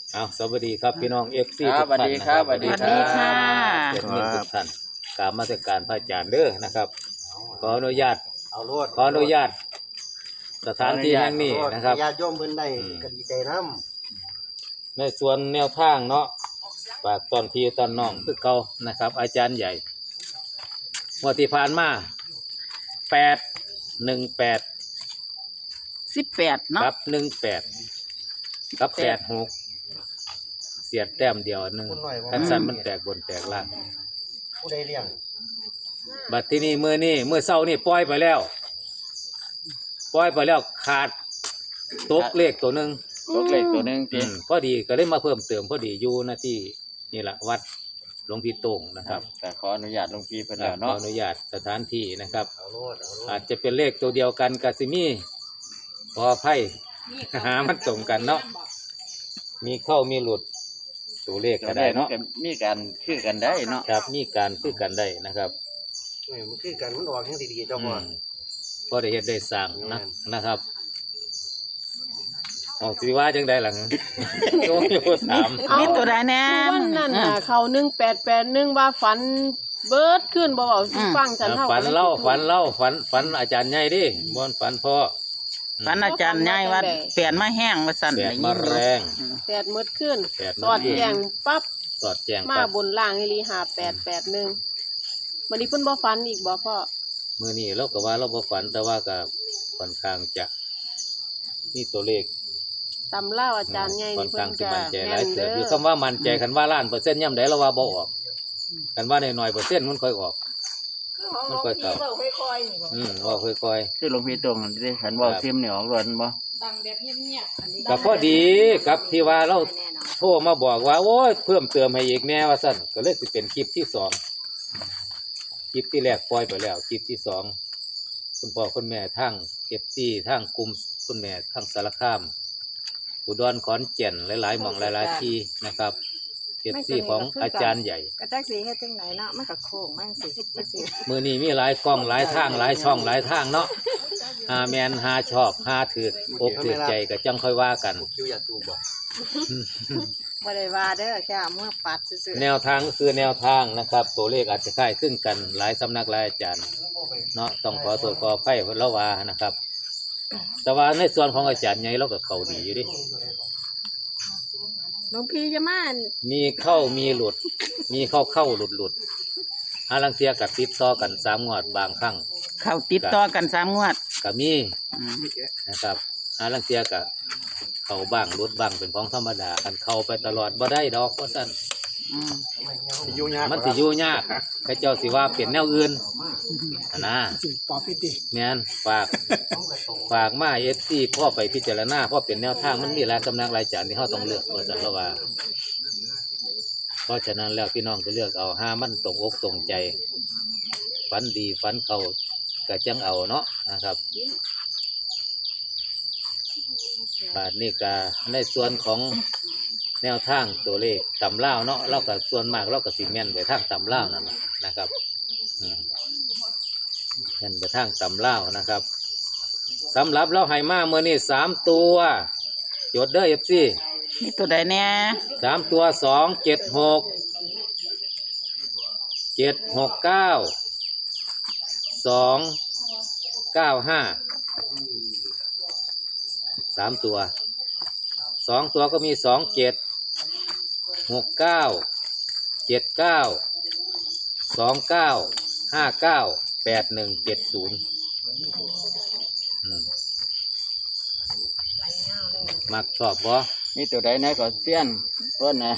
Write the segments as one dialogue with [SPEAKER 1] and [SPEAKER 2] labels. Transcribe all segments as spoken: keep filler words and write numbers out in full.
[SPEAKER 1] เอาสวัสดีครับพี่น้องเอฟซี
[SPEAKER 2] ครั
[SPEAKER 1] ทุ
[SPEAKER 2] บ
[SPEAKER 1] กท่านนะค
[SPEAKER 2] ส
[SPEAKER 1] รับ
[SPEAKER 2] วัสดีครับ
[SPEAKER 3] สวัสดีค่ะ
[SPEAKER 1] เด็กนิ่งทุกท่านกราบนมัสการพระอาจารย์เด้อนะครับ ขออนุญาต
[SPEAKER 4] เอาโลด
[SPEAKER 1] ขออนุญาตสถานที่แห่งนี้นะครับ
[SPEAKER 4] ญาติโยมเพิ่นได้
[SPEAKER 1] อืม
[SPEAKER 4] ก็ดีใจนำ
[SPEAKER 1] ในส่วนแนวทางเนาะฝากตอนพี่ตอนน้องคือเก่านะครับ อาจารย์ใหญ่งวดที่ผ่านมาแปดหนึ่งแปด
[SPEAKER 3] สิบแปดเนาะ
[SPEAKER 1] กับหนึ่งแปดกับแปดหกเสียดแต้มเดียวหนึ่งคันสันมันแตกบนแตกล่าง
[SPEAKER 4] ผู้ใดเลี้ยง
[SPEAKER 1] บัดที่นี่มือนี่มือเศร้านี่ปล่อยไปแล้วปล่อยไปแล้วขาดตกเลขตัวหนึ่ง
[SPEAKER 2] ตัวเล็กตัวหนึง
[SPEAKER 1] อื
[SPEAKER 2] จี
[SPEAKER 1] มพอดีก็เลยมาเพิ่มเติมพอดีอยู่หน้าที่นี่แหละวัดหลวงพี่โต่งนะครับ
[SPEAKER 2] แต่ขออนุญาตหลวงพี่เพิ่น
[SPEAKER 1] ครั
[SPEAKER 2] แล้
[SPEAKER 1] บ
[SPEAKER 2] ว
[SPEAKER 1] ขอ
[SPEAKER 2] เนาะ
[SPEAKER 1] อนุญาตสถานที่นะครับ
[SPEAKER 4] เอาโลดเอาโลด
[SPEAKER 1] อาจจะเป็นเลขตัวเดียวกันกับซิมีพอไพ่ หามันตรงกันเนาะมีเข้ามีหลุดตัวเลขก็ได้เนาะ
[SPEAKER 2] มีการคือกันได้เนาะ
[SPEAKER 1] ครับมีการคือกันได้นะครับ
[SPEAKER 4] เอ้ยมันคือกันมันออกแห่งดีๆเจ้า
[SPEAKER 1] อื
[SPEAKER 4] พ่อ
[SPEAKER 1] มพอได้เฮ็ดได้สร้างนะนะครับออกสิว่าจังได๋ล่ะ โยโย่ถาม
[SPEAKER 3] มีตัวใดแน่
[SPEAKER 5] วันนั้นน่ะเขาหนึ่งแปดแปดหนึ่งว่าฝันเบิดขึ้นบ่เบาสิฟังฉันเท่า
[SPEAKER 1] ฝันเล่าฝันเล่าฝันฝันอาจารย์ใหญ่ดิบ่ฝันพ่อ
[SPEAKER 3] ฝันอาจารย์ใหญ่ว่าเปลี่ยนมาแห้งว่าสั่น
[SPEAKER 1] แดด
[SPEAKER 3] ได้ยิ
[SPEAKER 1] มาน
[SPEAKER 3] อยู่
[SPEAKER 1] แรง
[SPEAKER 5] แปดมืดขึ้น
[SPEAKER 1] แปด
[SPEAKER 5] สอดแจงปั๊บ
[SPEAKER 1] สอดแจ้ง
[SPEAKER 5] มา
[SPEAKER 1] ปั๊บบ
[SPEAKER 5] นล่างอีหลีหาแปดแปดหนึ่งวันนี้เพิ่นบ่ฝันอีกบ่พ่อ
[SPEAKER 1] มื้อนี้เราก็ว่าเราบ่ฝันแต่ว่าก็ค่อนข้างจะมีตัวเลข
[SPEAKER 5] ตำเล่าอาจารย์ใหญ่
[SPEAKER 1] ค่อ
[SPEAKER 5] นี่
[SPEAKER 1] น
[SPEAKER 5] เพิ่
[SPEAKER 1] ข้าง
[SPEAKER 5] น
[SPEAKER 1] สิ
[SPEAKER 5] จะ
[SPEAKER 1] มั่นใจห
[SPEAKER 5] แม่
[SPEAKER 1] ลาย
[SPEAKER 5] น
[SPEAKER 1] เติ
[SPEAKER 5] เด้
[SPEAKER 1] บอยู่
[SPEAKER 5] อ
[SPEAKER 1] คำว่ามั่นใจคันว่าล้านเปอร์เซ็นต์ย่ำใดเราว่าบ่ออกคันว่าน้อยๆเปอร์เซ็นต์มันค่อยออกมันค่อยเข้าอืมว่าค่อยๆ
[SPEAKER 2] คือหลวงพี่ตรงที่ฉันบอกซิมเนี่ยออกรวนบ่
[SPEAKER 1] ก็พอดีกับที่ว่าเราโทรมาบอกว่าโอ้ยเพิ่มเติมให้อีกแน่ว่าสั่นก็เลยสิเป็นคลิปที่สองคลิปที่แรกปล่อยไปแล้วคลิปที่สองคุณพ่อคุณแม่ทั้งเอฟซีทั้งกลุ่มคุณแม่ทั้งสารคามอุดรขอนแก่นหลายๆหม่องหลายๆที่นะครับเอฟซีของอาจารย์ใหญ่
[SPEAKER 6] กระจักสีเฮ็ดจังไหนเนาะมันก็โค้งมั่งสิจักสี
[SPEAKER 1] มือนี้มีหลายกล้องหลายทางหลายช่องหลายทางเนาะหาแมนหาชอบหาถือกอกถือใจก็จังค่อยว่ากัน
[SPEAKER 4] คิวยาตูบ่
[SPEAKER 6] บ่ได้ว่าเด้อแค่เอามื่อปัดซื่อ
[SPEAKER 1] แนวทางก็คือแนวทางนะครับ ตัวเลขอาจจะคล้ายคลึงกันหลายสำนักหลายอาจารย์เนาะต้องขอตรวจขอไพ่เพิ่นละว่านะครับ แต่ว่าในส่วนของอาจารย์ใหญ่เราก็เข้าดีอยู่ดิ
[SPEAKER 6] ๆหลวงพี่จะมาอั่น
[SPEAKER 1] มีเข้ามีหลุด มีเข้าเข้าหลุดหลุดหาลังเทียกับติดต่อกันสามงวดบางครั้ง
[SPEAKER 3] เขาติดต่อกันสามงวด
[SPEAKER 1] ก็มี
[SPEAKER 3] อืม
[SPEAKER 1] นะครับหาลังเทียกับเข้าบ้างหลุดบ้างเป็นของธรรมดากันเข้าไปตลอดบ่ได้ดอกว่าซั่น
[SPEAKER 3] อืม
[SPEAKER 4] สิอยู่ยาก
[SPEAKER 1] มันสิอยู่ยากใครเจ้าสิว่าเปลี่ยนแนวอื่นอะนะแม่นฝากฝากมาเอฟซีพ่อไปพิจารณาพ่อเปลี่ยนแนวทางมันมีหลายสำนักหลายจานที่เขาต้องเลือกว่าสันละว่าเพราะฉะนั้นแล้วพี่น้องก็เลือกเอาห้ามันตรงอกตรงใจฝันดีฝันเขาก็จังเอาเนาะนะครับบาทนี้ก็ในส่วนของแนวทางตัวเลขตำเล่าวเนาะเราก็ส่วนมากเราก็สิแม่นไปทางตำเล่าวนั่นล่ะนะครับอืมแม่นไปทางตำเล่าวนะครับสำหรับเราให้มาเมื่อนี้สามตัวจดเด้อเอฟซี
[SPEAKER 3] มีตัวใดแน่
[SPEAKER 1] สามตัวสองเจ็ดหกเจ็ดหกเก้าสองเก้าห้าสามตัวสองตัวก็มีสองเจ็ดหกเก้าเจ็ดเก้าสองเก้าห้าเก้าแปดหนึ่งเจ็ดศูนย์มักชอบบ่
[SPEAKER 2] มีตัวใดไหนก็เสี้ยนเพิ่นน่ะ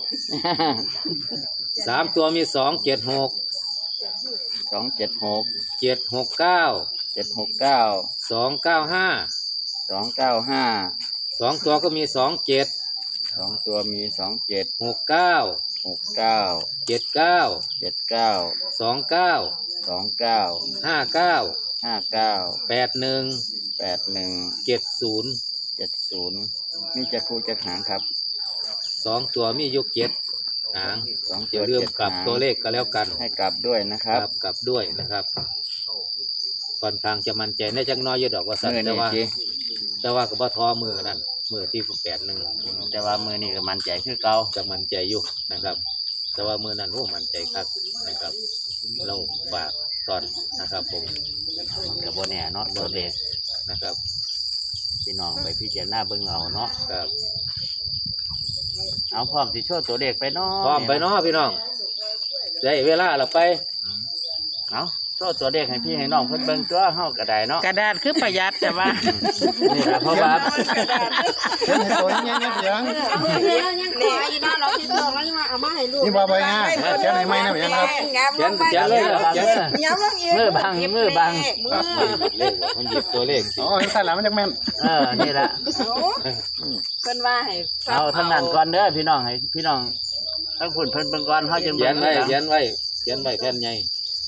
[SPEAKER 1] สามตัวมีสองเจ็ดหก
[SPEAKER 2] สองเจ็ดหก
[SPEAKER 1] เจ็ดหกเก้า
[SPEAKER 2] เจ็ดหกเก้า
[SPEAKER 1] สองเก้าห้า
[SPEAKER 2] สองเก้าห้า
[SPEAKER 1] สองตัวก็มีสองเจ็ด
[SPEAKER 2] สองตัวมีสองเจ็ด
[SPEAKER 1] หกเก้า
[SPEAKER 2] หกเก้า
[SPEAKER 1] เจ็ดเก้า
[SPEAKER 2] เจ็ดเก้า
[SPEAKER 1] สองเก้า
[SPEAKER 2] สองเก้า
[SPEAKER 1] ห้าเก้า
[SPEAKER 2] ห้าเก้า
[SPEAKER 1] แปดหนึ่ง
[SPEAKER 2] แปดหนึ่ง
[SPEAKER 1] เจ็ดศูนย์
[SPEAKER 2] เจ็ดศูนย์มีจะคูจะหางครับ
[SPEAKER 1] สองตัวมีอยุเจ็ดหาง
[SPEAKER 2] สอง
[SPEAKER 1] อ
[SPEAKER 2] ตัว
[SPEAKER 1] ย่าลืม
[SPEAKER 2] จ็ด
[SPEAKER 1] กลับ
[SPEAKER 2] หาง
[SPEAKER 1] ตัวเลขก็แล้วกัน
[SPEAKER 2] ให้กลับด้วยนะครับ
[SPEAKER 1] กลับด้วยนะครับค่อนข้างจะมั่นใจในจักหน้อยอยู่ดอกว่าสัต
[SPEAKER 2] เมื่อ
[SPEAKER 1] ว์แต่
[SPEAKER 2] นี้
[SPEAKER 1] ว่า
[SPEAKER 2] สิ
[SPEAKER 1] แต่ว่าก็บ่ทอมือนั่นมือที่แปดหนึ่ง
[SPEAKER 2] แต่ว่ามือนี่ก็มั่นใจคือเก่า
[SPEAKER 1] จะมั่นใจอยู่นะครับ แต่ว่ามือนั้นโอ้มั่นใจครับนะครับ เราฝากตอนนะครับ ผม
[SPEAKER 2] มันก็บ่แน่เนาะตัวเลข
[SPEAKER 1] นะครับ
[SPEAKER 2] พี่น้องไปพิจารณาเบิ่งเอาเนาะ
[SPEAKER 1] ครับ
[SPEAKER 2] เอาพร้อมสิโชว์ตัวเลขไปเนาะ
[SPEAKER 1] พร้อมไปเนาะพี่น้องได้เวลาเราไป
[SPEAKER 2] เอาโชว์ตัวเลขให้พี่ให้น้องเพิ่นเบิ่งตัวเฮาก็ได้เนาะ
[SPEAKER 3] กระดาษคือประหยัดแต่ว่า
[SPEAKER 2] นี่ล่ะเพราะว่า
[SPEAKER 7] เขียนให้ตัวนี้เนี่ยเสียง
[SPEAKER 6] เอามือเดียวยังขออยู่นะเราคิดเราแล้วยังว่าเอามาให้ลูก
[SPEAKER 7] นี่บ่ใบห้าเขียนให้ไหมนะเพียงครับ
[SPEAKER 1] เขียนเขียนเลยเหรอเขียน
[SPEAKER 6] ย้ำลงอีก
[SPEAKER 2] มือบังมือบัง
[SPEAKER 6] มือ
[SPEAKER 1] เลขบอกมันหยิบตัวเลขสิ
[SPEAKER 7] อ๋อใส่หลังมันจักแม่น
[SPEAKER 2] เออนี่ล่ะ
[SPEAKER 6] เพิ่นว่าให้
[SPEAKER 2] เอาทั้งนั้นก่อนเด้อพี่น้องให้พี่น้องทั้งคุณเพิ่นเบิ่งก่อนเฮาจึง
[SPEAKER 1] เขีย
[SPEAKER 2] เบิ่
[SPEAKER 1] น
[SPEAKER 2] ง
[SPEAKER 1] ไว้เขียนไว้เขียนไว้แผ่นใหญ่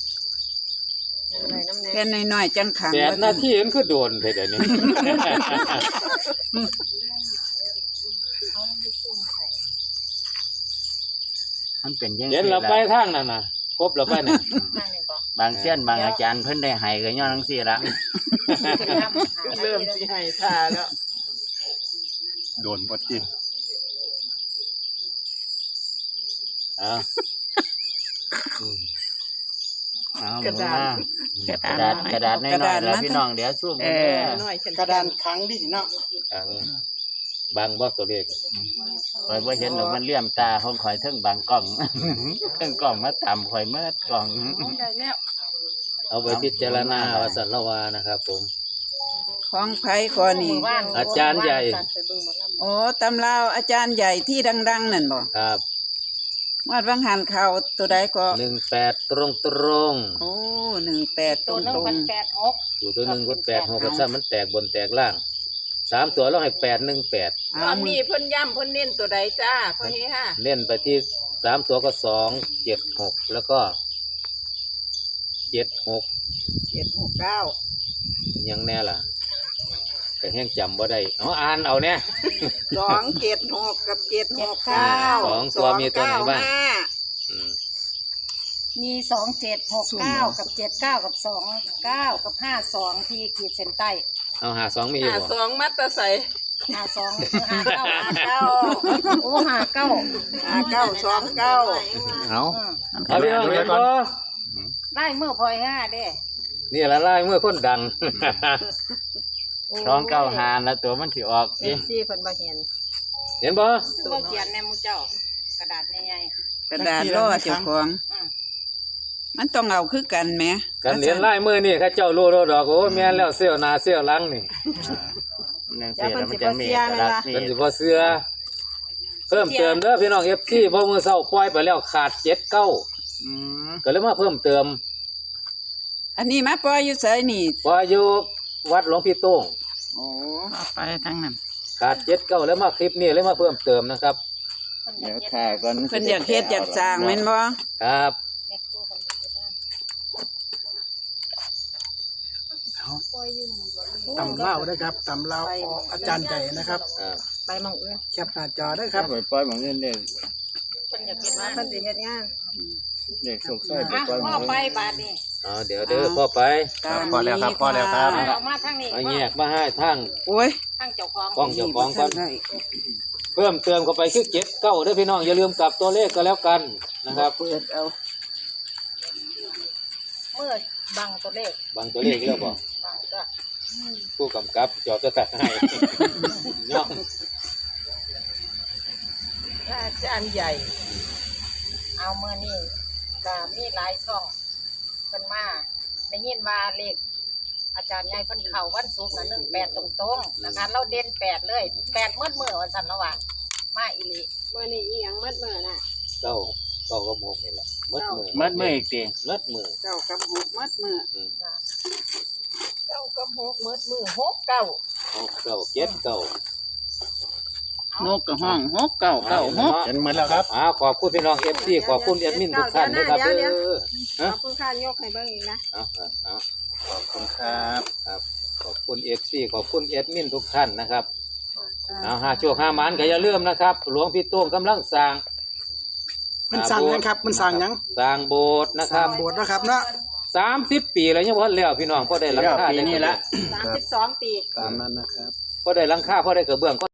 [SPEAKER 3] แค่น้อยๆจังขัง
[SPEAKER 1] แปดนาทีมันคือโดนไปเดี๋ยวนี้
[SPEAKER 2] มันเป็นจัง
[SPEAKER 1] เขียน
[SPEAKER 2] ซี่
[SPEAKER 1] เราไป
[SPEAKER 2] ล่ะ
[SPEAKER 1] ทางนั้นน่ะครบเราไปเนี่ย
[SPEAKER 2] บางเส้นบางอาจารย์เพิ่นได้ให้ก็ย้อนจังซี่ล่ะ
[SPEAKER 3] เริ่มสิให้ท่าแล้ว
[SPEAKER 7] โดนบ่จริง
[SPEAKER 1] อ่าอืม
[SPEAKER 2] เอากระดาษกระดาษกระดาษน้อยๆแล้วพี่น้องเดี๋ยวซูม
[SPEAKER 3] เอ
[SPEAKER 2] เด้
[SPEAKER 3] อ
[SPEAKER 2] อก
[SPEAKER 7] ระดานขังดิเนาะ
[SPEAKER 1] อ่าบางบ่ตัวเลข
[SPEAKER 2] ข่อยบ่เห็นหรอกมันเลี่ยมตาของข่อยเทิงบางกล้อง เทิงกล้องมาต่ำข่อยเมื่อกล้อง
[SPEAKER 6] ได้แล้ว
[SPEAKER 1] เอาไปพิจารณาว่าสันละวานะครับ ผม
[SPEAKER 3] ของไผก่อนนี่
[SPEAKER 1] อาจารย์ใหญ่
[SPEAKER 3] โอ้ตำราวอาจารย์ใหญ่ที่ดังๆนั่นบ่
[SPEAKER 1] ครับ
[SPEAKER 3] วาดวังหันเขาตัวใดก็
[SPEAKER 1] หนึ่งแปดตรงตรง
[SPEAKER 3] โอ้หนึ่งแปดต
[SPEAKER 6] ตัวหนึง
[SPEAKER 3] รง
[SPEAKER 6] มันแปดหก
[SPEAKER 1] ๆอยู่ตัวหนึ่งคนแปดหกกับซ้ำมันแตกบนแตกล่างสามตัวเราให้แปดหนึ่งแปด
[SPEAKER 3] ๆ
[SPEAKER 6] ต
[SPEAKER 3] เอา
[SPEAKER 6] อน
[SPEAKER 3] มื
[SPEAKER 6] นี้
[SPEAKER 3] อ
[SPEAKER 6] เพิ่นย้ำเพิ่นเน้นตัวใดจ้าพ่อเฮฮะ
[SPEAKER 1] เล่นไปที่สามตัวก็สองเจ็ดหกแล้วก็เจ็ดหก
[SPEAKER 6] เจ็ดหกเก้า
[SPEAKER 1] ยังแน่ล่ะแต่แห้งจำบ่ได้เอาอ่านเอาเนี่ย
[SPEAKER 6] สองเจ็ดหกกับเจ็ดหกเก้า
[SPEAKER 1] สองตัวมีตัวไหนบ้าง
[SPEAKER 6] สอเก้ห้
[SPEAKER 1] อืม
[SPEAKER 8] มีสองเจ็ดหกเก้ากับเจ็ดเก้ากับสองเก้ากับห้าสองที่ขีดเส้นใต้
[SPEAKER 1] เอาหาสองมีอยู่
[SPEAKER 6] ห้า
[SPEAKER 1] บ่
[SPEAKER 6] สองมัตตะใส
[SPEAKER 8] ห้าสองห้าเก้า
[SPEAKER 6] ห้าเก้า
[SPEAKER 8] โอ้ห้าเก้า
[SPEAKER 6] ห้าเก้าสองเก้า
[SPEAKER 7] เอา
[SPEAKER 8] อืม
[SPEAKER 1] เอาพี่น้องเห็นบ่
[SPEAKER 8] ได้เมื่อพลอยห้าเด้
[SPEAKER 1] นี่ละลายเมื่อคนดัง
[SPEAKER 2] สองเก้าหาแล้วตัวมันสิออก
[SPEAKER 6] เอ
[SPEAKER 2] ดิ
[SPEAKER 6] ฟซีเพิ่นบ่เห็น
[SPEAKER 1] เห็นบ่
[SPEAKER 8] ตัวเขียนในหมูเจ้า กระดาษใหญ่
[SPEAKER 3] กระดาษล่อเจ้าของ
[SPEAKER 8] ๆอืม
[SPEAKER 3] มันต้องเอาคือกันแหม
[SPEAKER 1] กันเห็นลายมือนี่เข้าเจ้ารู้ดอกโอ้แม่นแล้วเสี้ยวหน้าเสี้ยวหลังนี่
[SPEAKER 2] มันจังซี่แล้วมันจะมีเอกลักษณ์นี่
[SPEAKER 1] เป็นสิบ่เสือเพิ่มเติมเด้อพี่น้อง เอฟ ซี เพราะมื้อเช้าปล่อยไปแล้วขาดเจ็ดเก้า
[SPEAKER 2] อืม
[SPEAKER 1] ก็เลยมาเพิ่มเติม
[SPEAKER 3] อันนี้มาปล่อยอยู่ไสนี่
[SPEAKER 1] พออยู่วัดหลวงพี่โต้ง
[SPEAKER 3] โอ้เอาไปทั้งนั้น
[SPEAKER 1] ขาดเจ็ดเก้าแล้วมาคลิปนี้เลยมาเพิ่มเติมนะครับ
[SPEAKER 2] เดี๋ยวถ่ายก่อน
[SPEAKER 3] เพิ่นอยากเฮ็ดอยากสร้างแม่นบ่
[SPEAKER 1] ครับ
[SPEAKER 8] แม่ครูคนนี้ก็ได้
[SPEAKER 7] ตำเล่าได้ครับตำเล่าของอาจารย์ใหญ่นะครับ
[SPEAKER 1] อ่า
[SPEAKER 6] ไปหมองอื่น
[SPEAKER 7] แคปหน้าจอได้ค
[SPEAKER 2] ค
[SPEAKER 7] รั
[SPEAKER 2] รับบ ไปปล่อยหมองเงินเด้อ
[SPEAKER 8] เพิ่นอยากเห็น
[SPEAKER 6] ว่า
[SPEAKER 8] ว่า
[SPEAKER 6] เพิ่นสิเฮ็ดงาน
[SPEAKER 2] เด็กสุกซอยไป
[SPEAKER 8] อ่ะ
[SPEAKER 2] ปล่อยหม
[SPEAKER 8] พ่
[SPEAKER 2] อ
[SPEAKER 8] อง ไป
[SPEAKER 2] เงิน
[SPEAKER 8] บาทนี่
[SPEAKER 1] เอาเดี๋ยวเด้อพ่อไป
[SPEAKER 3] ตาม
[SPEAKER 7] พอแล้วครับ
[SPEAKER 3] นี้
[SPEAKER 7] พอแล้วครับ
[SPEAKER 3] ะ
[SPEAKER 8] เอามาทางนี้
[SPEAKER 1] เอาแยกมาให้ทาง
[SPEAKER 3] โอ้ย
[SPEAKER 8] ทางเจ้าของ
[SPEAKER 1] กล้องเจ้าของก่อน
[SPEAKER 3] ได้
[SPEAKER 1] เพิ่มเติมเข้าไปคือเจ็ดเก้าเด้อพี่น้องอย่าลืมกลับตัวเลขก็แล้วกันนะครับ
[SPEAKER 3] เปิดเอา
[SPEAKER 8] เมื่อบังตัวเลข
[SPEAKER 1] บางตัวเลขแล้วบ่
[SPEAKER 8] บังก็
[SPEAKER 1] ผู้กำกับจอบจะตัดให้ เนาะ
[SPEAKER 6] อาจารย์ใหญ่
[SPEAKER 8] เอาเมื่อนี้ก็มีหลายช่องเพิ่นมาได้ยินว่าเลขอาจารย์ใหญ่เพิ่นเข้าวันศุกร์น่ะหนึ่งแปดตรงๆนะคะเราเด่นแปดเลยแปดเมื่อเมื่อวันสันละว่ามาอีหลี
[SPEAKER 6] มื้อนี้อีหยังมัดมื้อน่ะ
[SPEAKER 1] เก้าเก้าก็โมงนี่แหละมัดมือ
[SPEAKER 2] มัดมืออีกติ
[SPEAKER 1] มัดมือ
[SPEAKER 3] เก้ากับหกมัดมือ
[SPEAKER 1] อืม
[SPEAKER 6] เก้ากับหกมัดมือหกเก้า
[SPEAKER 1] เอาเก้าเจ็ดเก้าน
[SPEAKER 3] กกับห้องหกเก้าเก้าหก
[SPEAKER 7] เห็นเหมือนแล้วครับ
[SPEAKER 1] อ่าขอบคุณพี่น้องเอฟซีขอบคุณแอดมินทุกท่านนะครับ
[SPEAKER 6] เดี๋
[SPEAKER 1] เด้
[SPEAKER 6] ยว
[SPEAKER 1] อ
[SPEAKER 6] ขอบคุณค่ะยกให้เบิ่งอีกนะ
[SPEAKER 1] เอาเอาเอา
[SPEAKER 7] ขอบคุณครับ
[SPEAKER 1] ครับขอบคุณเอฟซีขอบคุณแอดมินทุกท่านนะครับเอาห้าโชคห้าหมันก็อย่าลืมนะครับ หลวงพี่โต้งกำลังสร้าง
[SPEAKER 7] มันสั่งยังครับ มันสั่งยัง
[SPEAKER 1] สร้างโบสถ์นะค
[SPEAKER 7] สั่
[SPEAKER 1] รั
[SPEAKER 7] ง
[SPEAKER 1] บ
[SPEAKER 7] โบสถ์นะครับเนาะ
[SPEAKER 1] สามสิบปีแล้วยังพอแล้วพี่น้องพอได้หลังคา
[SPEAKER 2] ปีนี้ละ
[SPEAKER 6] สามสิบสองปี
[SPEAKER 7] ตามนั้นนะครับ
[SPEAKER 1] พอได้หลังคาพอได้กระเบื้อง